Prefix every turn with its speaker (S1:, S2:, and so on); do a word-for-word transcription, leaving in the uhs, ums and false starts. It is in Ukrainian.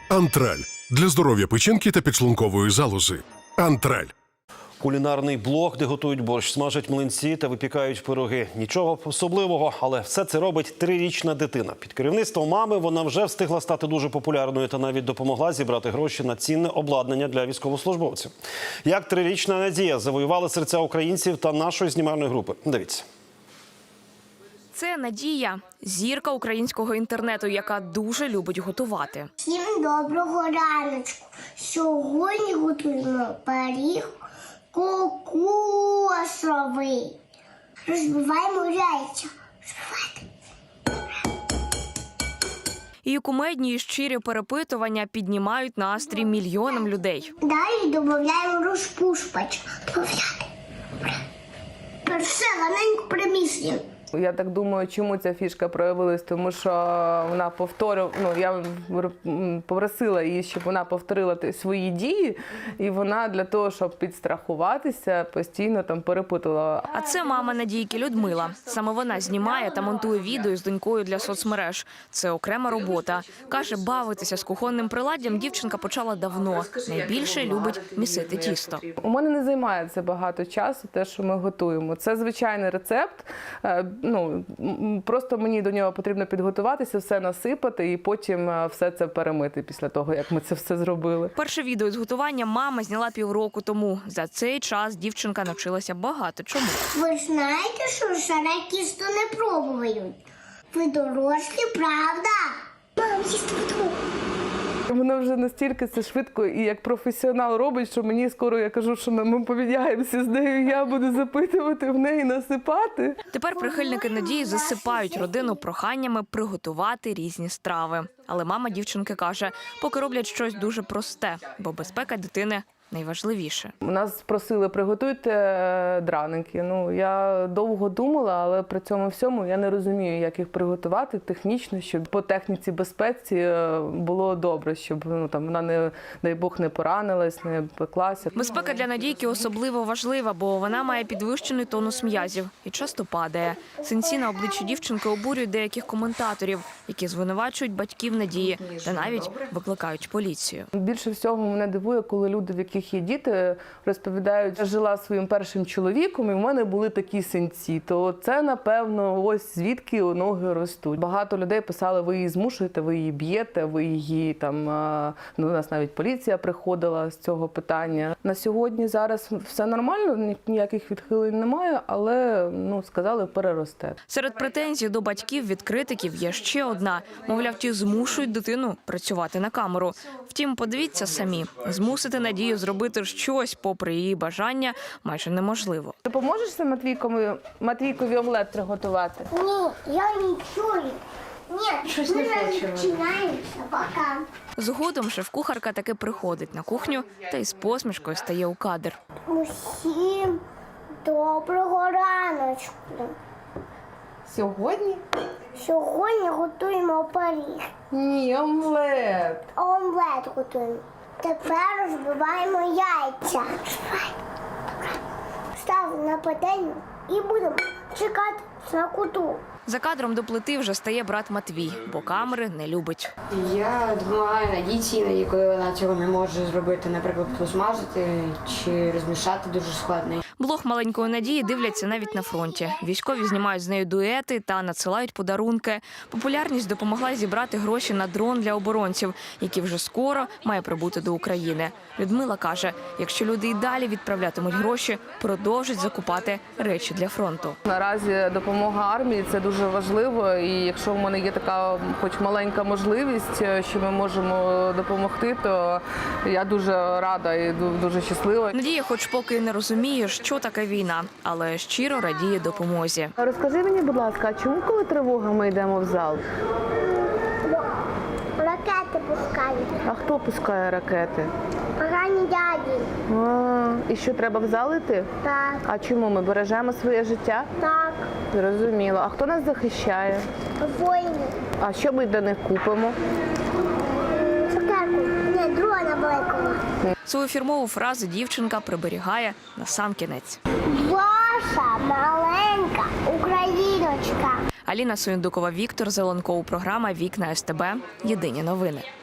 S1: Антраль – для здоров'я печінки та підшлункової залози. Антраль.
S2: Кулінарний блок, де готують борщ, смажать млинці та випікають пироги. Нічого особливого, але все це робить трирічна дитина. Під керівництвом мами вона вже встигла стати дуже популярною та навіть допомогла зібрати гроші на цінне обладнання для військовослужбовців. Як трирічна Надія завоювала серця українців та нашої знімальної групи. Дивіться.
S3: Це Надія – зірка українського інтернету, яка дуже любить готувати.
S4: Всім доброго раночку. Сьогодні готуємо пиріг кокосовий. Розбиваємо яйця. Розбивайте.
S3: Її кумедні і щирі перепитування піднімають настрій мільйонам людей.
S4: Далі додаємо розпушувач. Все, раненько приміщення.
S5: Я так думаю, чому ця фішка проявилась, тому що вона повторила, ну, я попросила її, щоб вона повторила свої дії, і вона для того, щоб підстрахуватися, постійно там перепитувала.
S3: А це мама Надійки Людмила. Саме вона знімає та монтує відео з донькою для соцмереж. Це окрема робота. Каже, бавитися з кухонним приладдям дівчинка почала давно. Найбільше любить місити тісто.
S5: У мене не займає це багато часу, те, що ми готуємо. Це звичайний рецепт. Ну, просто мені до нього потрібно підготуватися, все насипати і потім все це перемити після того, як ми це все зробили.
S3: Перше відео з готування мама зняла півроку тому. За цей час дівчинка навчилася багато чому.
S4: Ви знаєте, що шаре тісто не пробують? Ви дорослі, правда? Мам, їсти буду.
S5: Вона вже настільки це швидко і як професіонал робить, що мені скоро, я кажу, що ми поміняємося з нею, я буду запитувати в неї, насипати.
S3: Тепер прихильники Надії засипають родину проханнями приготувати різні страви. Але мама дівчинки каже, поки роблять щось дуже просте, бо безпека дитини найважливіше.
S5: Нас просили, приготуйте драники. Ну, я довго думала, але при цьому всьому я не розумію, як їх приготувати технічно, щоб по техніці безпеці було добре, щоб ну, там, вона, не, дай Бог, не поранилась, не пеклася.
S3: Безпека для Надійки особливо важлива, бо вона має підвищений тонус м'язів і часто падає. Синці на обличчі дівчинки обурюють деяких коментаторів, які звинувачують батьків Надії та навіть викликають поліцію.
S5: Більше всього мене дивує, коли люди, в яких є діти, розповідають, я жила зі своїм першим чоловіком, і в мене були такі синці. То це, напевно, ось звідки ноги ростуть. Багато людей писали, ви її змушуєте, ви її б'єте, ви її там, ну, у нас навіть поліція приходила з цього питання. На сьогодні зараз все нормально, ніяких відхилень немає, але, ну, сказали, переросте.
S3: Серед претензій до батьків від критиків є ще одна. Мовляв, ті змушують дитину працювати на камеру. Втім, подивіться самі, змусити Надію зробити щось, попри її бажання, майже неможливо.
S5: Ти поможеш Матвійкові, Матвійкові омлет приготувати?
S4: Ні, я не чую. Ні,
S5: Щось
S4: ми
S5: не
S4: не
S5: хочемо.
S4: починаємося, пока.
S3: Згодом шеф-кухарка таки приходить на кухню та із посмішкою стає у кадр.
S4: Усім доброго раночку.
S5: Сьогодні?
S4: Сьогодні готуємо пиріг.
S5: Ні, омлет.
S4: Омлет готуємо. Тепер розбиваємо яйця. Ставимо на пательню і будемо чекати на куту.
S3: За кадром до плити вже стає брат Матвій, бо камери не любить.
S6: Я допомагаю Надійці, іноді, коли вона цього не може зробити, наприклад, посмажити чи розмішати дуже складно.
S3: Блог маленької Надії дивляться навіть на фронті. Військові знімають з нею дуети та надсилають подарунки. Популярність допомогла зібрати гроші на дрон для оборонців, який вже скоро має прибути до України. Людмила каже, якщо люди і далі відправлятимуть гроші, продовжать закупати речі для фронту.
S5: Наразі допомога армії – це дуже важливо, і якщо в мене є така хоч маленька можливість, що ми можемо допомогти, то я дуже рада і дуже щаслива.
S3: Надія хоч поки і не розуміє, що таке війна, але щиро радіє допомозі.
S5: Розкажи мені, будь ласка, а чому, коли тривога, ми йдемо в зал?
S4: Ракети пускають.
S5: А хто пускає ракети?
S4: Погані дяді.
S5: А, і що, треба в зал іти?
S4: Так,
S5: А чому, ми бережемо своє життя?
S4: так.
S5: Зрозуміло. А хто нас захищає?
S4: Воїни.
S5: А що ми для них купимо?
S4: Цукерку. Ні, дрона великого.
S3: Свою фірмову фразу дівчинка приберігає на сам кінець.
S4: Ваша маленька україночка.
S3: Аліна Суєндукова, Віктор Зеленков. Програма «Вікна СТБ». Єдині новини.